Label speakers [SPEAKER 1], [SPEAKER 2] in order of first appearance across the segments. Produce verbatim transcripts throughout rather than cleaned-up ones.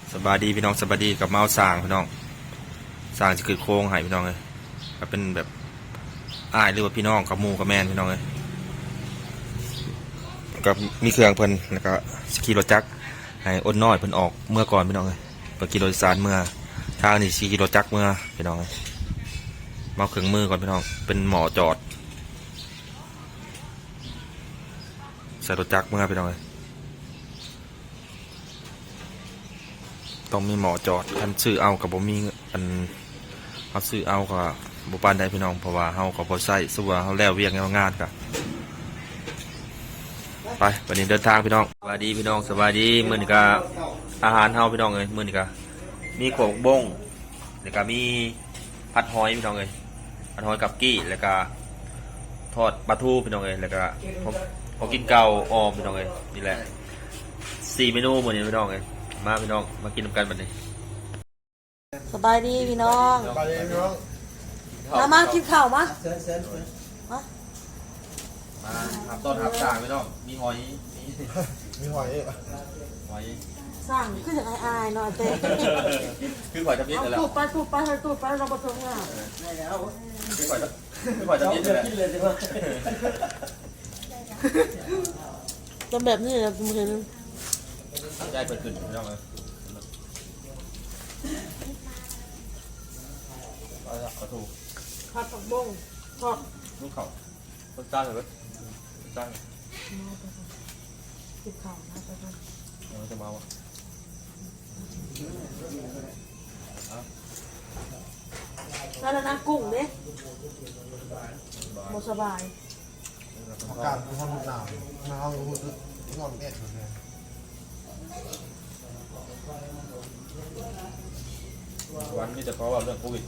[SPEAKER 1] สบายดีพี่น้องสบายดีกับเมาสร้างพี่น้องสร้างจะเกิดโค้งหายพี่น้องเลยก็เป็นแบบอ้ายหรือว่าพี่น้องกับมูกับแมนพี่น้องเลยก็มีเครื่องเพิ่นแล้วก็สกีรถจักรให้อ้นน้อยเพิ่นออกเมื่อก่อนพี่น้องเลยไปกิโลสารเมื่อทางนี่สกีรถจักรเมื่อพี่น้องเลยมาเครื่องมือก่อนพี่น้องเป็นหมอจอดใส่รถจักรเมื่อพี่น้องเลยต้องมีหมอจอดคันซื้อเอากับบ่มีอันเขาซื้อเอากับบ่ปานใดพี่น้องเพราะว่าเฮาก็บ่ใช้สู้ว่าเฮาแล้วเวียกงานก็ไปวันนี้เดินทางพี่น้องสวัสดีพี่น้องสวัสดีมื้อนี้ก็อาหารเฮาพี่น้องเอ้ยมื้อนี้ก็มีโขกบ้งแล้วก็มีผัดหอยพี่น้องเอ้ยผัดหอยกับกี้แล้วก็ทอดปลาทูพี่น้องเอ้ยแล้วก็พอกินเก่าออมพี่น้องเอ้ยนี่แหละสี่เมนูมื้อนี้พี่น้องเอ้ยมาพี่น้องมากินกันบัดนี้
[SPEAKER 2] สบายดีพี่น้อง
[SPEAKER 3] สบายดีพี่น้อง
[SPEAKER 2] มามากินข้าวมามา
[SPEAKER 1] มาทำต้นทำสร้างพี่น้องมีหอยมี
[SPEAKER 3] มีหอยอีก
[SPEAKER 1] หอย
[SPEAKER 2] สร้างขึ้นจากอายๆหน่อยเต้
[SPEAKER 1] คือหอยทำนิด
[SPEAKER 2] เอา
[SPEAKER 1] เลยแหละ
[SPEAKER 2] ตูดไปตูดไปให้ตูดไปเราผสมอ่ะ
[SPEAKER 1] คือหอยคือหอยทำนิดเลยแหละ
[SPEAKER 2] จำแบบนี้นะคุณเห็น
[SPEAKER 1] ได้เปิดขึ้นพี่น้องเลยกระถูก
[SPEAKER 2] ผัดผักบุ้งทอด
[SPEAKER 1] ลูกเขาต้นจ้าเลยต้นจ้า
[SPEAKER 2] กินข้าวนะไปกัน
[SPEAKER 1] เราจะมาวะ
[SPEAKER 2] แล้วนะกุ้งเนี่ยหมดสบาย
[SPEAKER 3] อากาศมันร้อนหนาวหนาวรู้สึกร้อนแอดเลย
[SPEAKER 1] วันนี้จะเพราะว่าเรื่องโควิด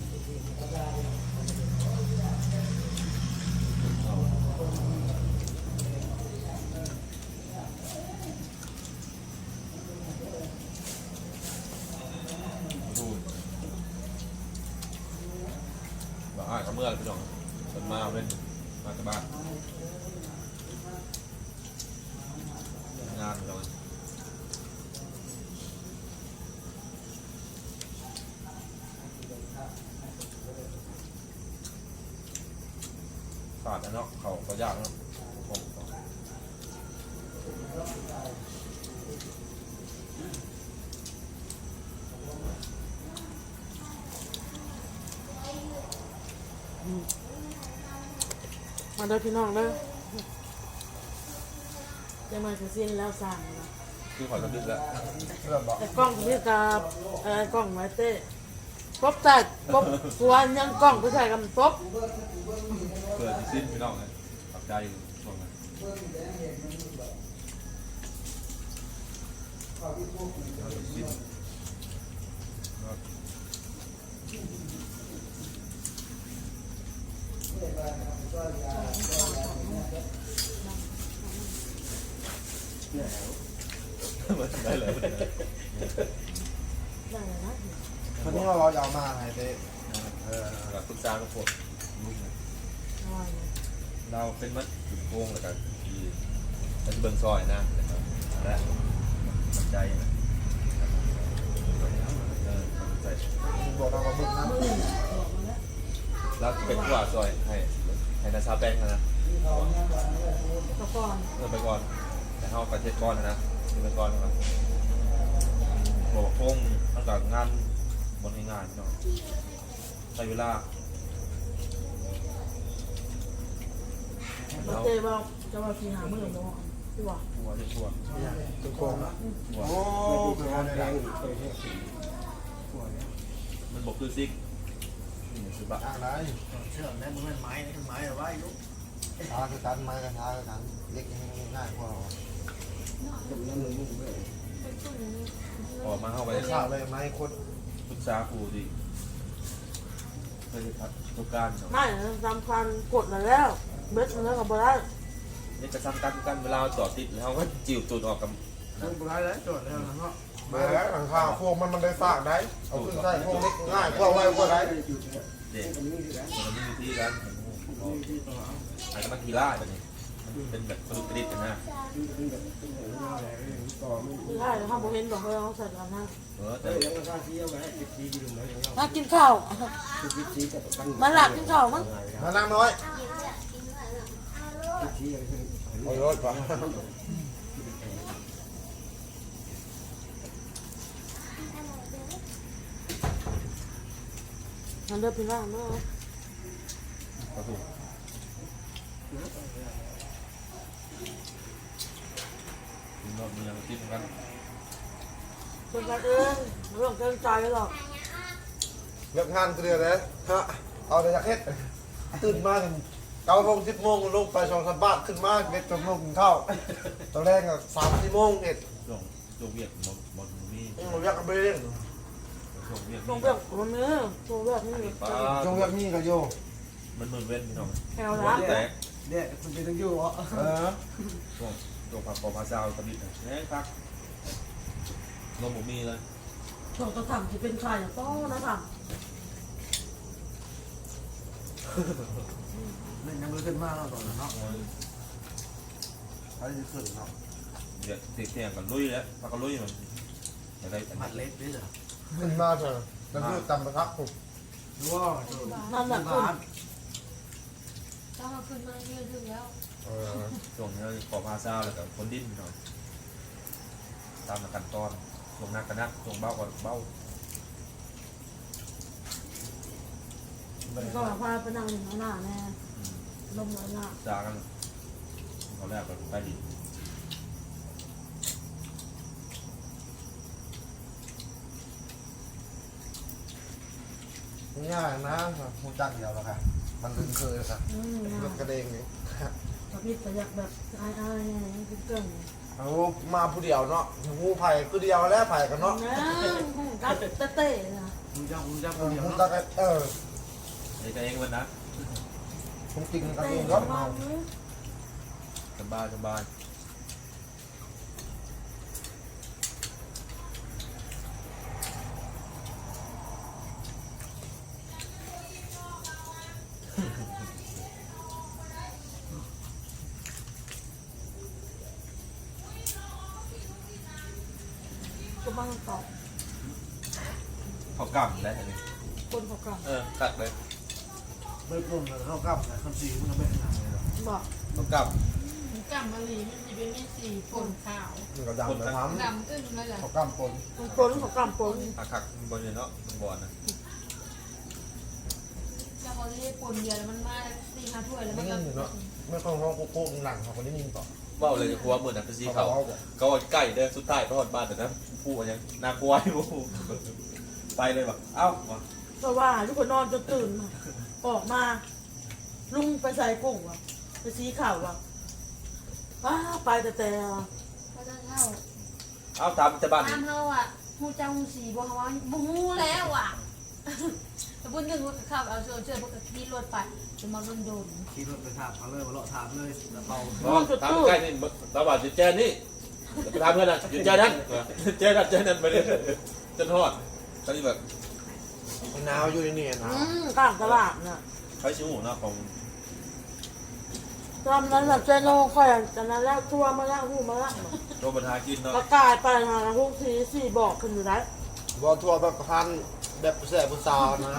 [SPEAKER 1] บ้ากับเมื่อพี่น้องมันมาเล่นมาจากบ้านงานพี่น้องขาดนะเนาะเขาก็ยากเนาะผม
[SPEAKER 2] มาเด้อพี่น้องเด้อจะมาจะสิ้นแล้วสั่งนะ
[SPEAKER 1] คือขอจะดึกแล้ว
[SPEAKER 3] เริ่มบอก
[SPEAKER 2] แต่กล้องพี่ตาเออกล้องไว้เต้ป๊บแต่ป๊บส่วนยังกล้องผู้ชายกับป๊บ
[SPEAKER 1] เกิดสิ้นพี่น้องเลยตับใจช่วงนั้นสิ้นได้เลย
[SPEAKER 2] ได้เลยนะ
[SPEAKER 3] วันนี้เรายาวมาไงเต้เออ
[SPEAKER 1] หลักปรึกษากับพวกลูก
[SPEAKER 2] น้อยเลย
[SPEAKER 1] เราเป็นมัดจุดโกงแล้วกันที่เป็นเบิ้งซอยนะนะครับและมั่นใจนะเออมั่นใจ
[SPEAKER 3] บอกเราบึ้งนะ
[SPEAKER 2] มือบอกมาแล้ว
[SPEAKER 1] แล้วเป็นผู้ว่าซอยให้ให้นาซาแป้งนะ
[SPEAKER 2] ตะกอน
[SPEAKER 1] เริ่มไปก่อนแต่เข้าประเทศก่อนนะไปก่อนนะครับบอกโค้งตั้งแต่งานบนงานเนาะใช้เวลา
[SPEAKER 2] มาเต้บอกจะมาสีหามือเนาะที่ว่า
[SPEAKER 1] หัวจะชัว
[SPEAKER 3] ทุกคนโอ้เป็นวันแรง
[SPEAKER 1] มันบอกคือซิกนี่คือบะ
[SPEAKER 3] อะไร
[SPEAKER 4] เชื่อมได้มึงเป็นไม้นะไม้เอาไว้ลูก
[SPEAKER 3] ช้าคือกันไม้กันช้าคือกันเล็กง่ายกว่า
[SPEAKER 1] ออกมาเข้าไป
[SPEAKER 3] ไปข้าวเลยไม้คน
[SPEAKER 1] ปรึกษาครูดิเคยทัดทุกการเนาะ
[SPEAKER 2] ไม่สำคัญกดแล้วเบ็ดแล้วกับบ่ได้
[SPEAKER 1] นี่จะซ้ำกันกันเวลาจอดติดแล้วก็จิ๋วตูดออกกับ
[SPEAKER 4] มึงบุไรแล้วจดแล้วนะเนาะ
[SPEAKER 3] มาแล้วหลังคาพวกมันมันได้ฝากได้เอาขึ้นใส่พวกเล็กง่ายกว่าไว้กว่าได้
[SPEAKER 1] เด็กมันมีวิธีการอาจจะมาทีล่าแบบนี้มันเป็นแบบกระดุกกระดิกกันนะ
[SPEAKER 2] คือได้แล้วข้าวโพดเห็นบอกว่าเขาใส่กันนะ
[SPEAKER 1] เออแต่
[SPEAKER 2] ถ้ากินข้าวมันหลับกินข้าวมั้ง
[SPEAKER 3] มานั่งน้อยเอารถก่อน
[SPEAKER 2] มันเลือกพี่ว่าเนาะ
[SPEAKER 1] กระดุกกินรอบมีอย่างติดกัน
[SPEAKER 2] คนกันเองเรื่องเกินใจหรอก
[SPEAKER 3] เลิกงานเกลือเลยฮะเอาแต่จากเฮ็ดตื่นมาถึงเก้าโมงสิบโมงลงไปสองสามบาทขึ้นมาเบ็ดจนลงกินข้าวตอนแรกอะสามสี่โมงเอ็ด
[SPEAKER 1] ลงลงเวียดบอลบอลมี
[SPEAKER 3] ผมอยากไปเล่น
[SPEAKER 1] ลงเวียด
[SPEAKER 2] ตรงเรื่องมันเนื้อตรงเรื่องนี่
[SPEAKER 1] ป้า
[SPEAKER 3] จงอยากนี่ก็โย
[SPEAKER 1] มันเหมือนเว้นพี่น้อง
[SPEAKER 2] แอลนะ
[SPEAKER 1] แต่
[SPEAKER 4] เนี่ยคุณจะต้องอยู่เหรอ
[SPEAKER 3] เออ
[SPEAKER 1] ช่วงช่วงผักปอพาซาวตะบิดเนี่ยครับลมหมูมีเลย
[SPEAKER 2] ช่วงจะทำที่เป็นใครอ่ะต้องนะท
[SPEAKER 4] เล่นยังไม่ขึ้นมากแล้วตอนนั้นเนาะ
[SPEAKER 3] ใครจะขึ้นเนาะ
[SPEAKER 1] เดี๋ยวเตียงกันลุยแล้วพักกันลุยมันจะได้
[SPEAKER 4] มัดเล็กด้วยเหรอ
[SPEAKER 3] ขึ้นมาเถอะแล้วก็จำประทับผม
[SPEAKER 4] ว้าว
[SPEAKER 2] ำนั่นแหละคุณ
[SPEAKER 5] ต้องมาขึ้นมาเยอะถึงแล้ว
[SPEAKER 3] เออ
[SPEAKER 1] ช่วงนี้ปอพาซาวแล้วกับคนดิ้นพี่น้องตามขั้นตอนช่วงนักกันนักช่วงเบ้าก่อนเบ้า
[SPEAKER 2] ก็พาไปนั่งอยู่ข้างหน้าแน่ลมหัวหน้า
[SPEAKER 1] จากันเขาแรกกันไปดิ
[SPEAKER 3] ง่ายนะหูจักเดียวแล้วค่ะมันลืมเคยค่ะ
[SPEAKER 2] อืม
[SPEAKER 3] รถกระเด้งนี่
[SPEAKER 2] ตะพิษแต่อยากแบบอายอายไงกินเกิน
[SPEAKER 3] เอามาผู้เดียวเนาะหูไผ่คือเดียวแล้วไผ่กันเนาะ
[SPEAKER 2] นะกัดเต้ๆนะ
[SPEAKER 4] คุณจะคุณจะ
[SPEAKER 3] เอ
[SPEAKER 4] คน
[SPEAKER 3] อ
[SPEAKER 4] เดียว
[SPEAKER 3] หู
[SPEAKER 4] เนาะ
[SPEAKER 3] จักเออ
[SPEAKER 1] ไอ้เองวันนะ
[SPEAKER 3] ผมกินกัน
[SPEAKER 2] เต้
[SPEAKER 3] เอง
[SPEAKER 2] ๆ
[SPEAKER 3] ก็
[SPEAKER 2] มา
[SPEAKER 3] เมา
[SPEAKER 1] สบายสบาย
[SPEAKER 2] ก็บ้างต่อ
[SPEAKER 1] เขากำได้ไหม
[SPEAKER 2] คนเขากลับ
[SPEAKER 1] เออตัดเลย
[SPEAKER 4] ไม่ปรุงเลยเข้ากลับนะคำสีมันไม่ขนาดเลยหรอ
[SPEAKER 2] บอก
[SPEAKER 1] เขาก
[SPEAKER 5] มันกำมะลีมันจะเป็นไม่สีฝนขาว
[SPEAKER 3] มันก็ดำนะท
[SPEAKER 5] ดำอึ้งเลยเหรอ
[SPEAKER 3] ำเขากล้ามปน
[SPEAKER 2] มันปนเขากลับปน
[SPEAKER 1] ำอาคักบนเนี่ยเนาะมันบอลนะ
[SPEAKER 5] แล้วเขาจะได้ปนเดียวแล้วมันมาสี่ห้าถ้วยแล้วมันก็
[SPEAKER 3] ไม่ค่อยห้องโค้งหนังเขาคนนี้ยิงต่อ
[SPEAKER 1] ว่าเลยหัวเหมือนนะเป็นสีเขาเขาใกล้เด้อสุดท้ายเขาหอดบ้านแต่นะพูดยังน่ากลัวอยู่ไปเลยแบบเอ้า
[SPEAKER 2] ก็ว่าทุกคนนอนจนตื่นมาออกมา ลุงไปใส่กุ้งว่ะไปสีข่าวว่ะว้าไปแต่แต่
[SPEAKER 5] ก็จะเท่า
[SPEAKER 1] เอ้าตามจะบ้าน
[SPEAKER 5] ตามเท่าอ่ะหูเจ้าหูสีบอกว่าบูฮูแล้วอ่ะแต่บุญหนึ่งว่าขับเอาเชือกเชือกพวกที่รถไปจะมาโดนโดน
[SPEAKER 4] ขี่รถไปถามเขาเลยมาเลาะถามเลยแล้วเบา
[SPEAKER 1] ตามใกล้นี่ตาบาดจุดแจนี่ไปทำเพื่อนอ่ะจุดแจนั้นแจนั้นแจนั้นไปเลยจนทอดตอนนี้แบบ
[SPEAKER 3] หนาวอยู่นี่หนาว
[SPEAKER 2] อืมกลางตลาดน่ะ
[SPEAKER 1] ใช้ชิวหน้าของ
[SPEAKER 2] ตอนนั้นแบบเจโน่ค่อยจากนั้นแล้วทัวร์มาแล้วหูมาแล้ว
[SPEAKER 1] โรบันทากินเนาะ
[SPEAKER 2] ประกาศไปหาพวกทีสี่บอกขึ้นอยู่ได้
[SPEAKER 3] บอทัวร์แบบพันแบบแสบผู้สาวนะ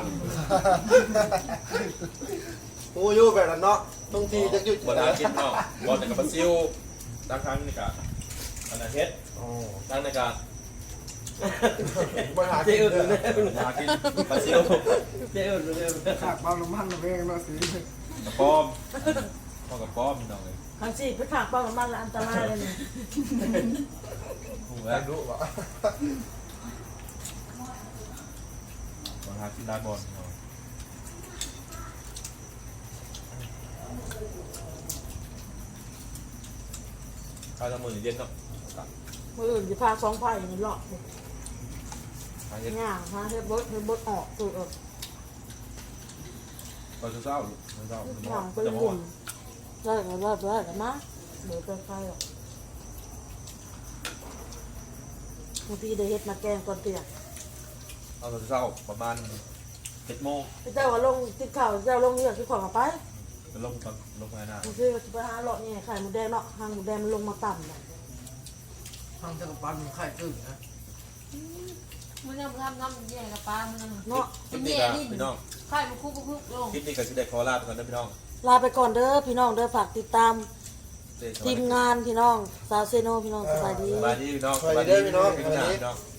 [SPEAKER 3] โอ้ยแบบนั้นเนาะบางทีจะหยุด
[SPEAKER 1] บันทากินเนาะบอลในกับปลาซิวตั้งครั้งในการอันนั้นเฮ็ด
[SPEAKER 3] โอ้
[SPEAKER 1] ตั้งในการ
[SPEAKER 3] บริหารเจ๊อื่นเลย
[SPEAKER 1] บันทากินปลาซิว
[SPEAKER 4] เจ๊อื่นเลยขากบ้านน้ำมันเองเนาะสี
[SPEAKER 1] กระป้อมพ่อกับป้อมน้องเลย
[SPEAKER 2] ทางสี่ไปขากป้องมันละอันตรายเลยเนี่ย
[SPEAKER 1] หู
[SPEAKER 3] แล้
[SPEAKER 1] แล้ว
[SPEAKER 3] วรู้ปะ
[SPEAKER 1] บันทากินได้บอลเนาะข้าวทำมือเย็นเนาะ
[SPEAKER 2] มืออื่นจะพาสองไผ่นี่หลอก
[SPEAKER 1] ทางเย็น
[SPEAKER 2] ง่ายฮะเฮ็ดบดเฮ็ดบดออกตัวเออ
[SPEAKER 1] ตอนเช้าเช้า
[SPEAKER 2] หวังไปบุญได้ก็ได้ได้ก็มาเดี๋ยวไปใครหรอกบางทีได้เฮ็ดมาแกงก่อนเตียง
[SPEAKER 1] เอาตอนเช้าประมาณเจ็ดโมง
[SPEAKER 2] พี่เจ้าว่าลงติดข่าวเจ้าลงเรือที่ขวางไป
[SPEAKER 1] ลงตอนลงไปหน้า
[SPEAKER 2] บางทีเราจะไปหาเลาะเนี่ยไข่หมูแดงเนาะหางหมูแดงมันลงมาต่ำเลย
[SPEAKER 4] ทางจะกับปันไข่ตื่นนะ
[SPEAKER 5] มันยังทำน้ำแย่กับปลามันยัง
[SPEAKER 2] เนาะ
[SPEAKER 1] คลิปนี้ก็พี่น้อง
[SPEAKER 5] ไข่มันคุกคุกลง
[SPEAKER 1] คลิปนี้ก็สิได้ขอลาไปก่อนนะพี่น้อง
[SPEAKER 2] ลาไปก่อนเด้อพี่น้องเด้อฝากติดตาม
[SPEAKER 1] เจอกัน
[SPEAKER 2] ทีมงานพี่น้องสาวเซโนพี่น้องสบายดี
[SPEAKER 1] สบายดีพี่น้อง
[SPEAKER 3] สวัสดีเด้อพี่น้อง
[SPEAKER 1] สบายดีพี่น้อง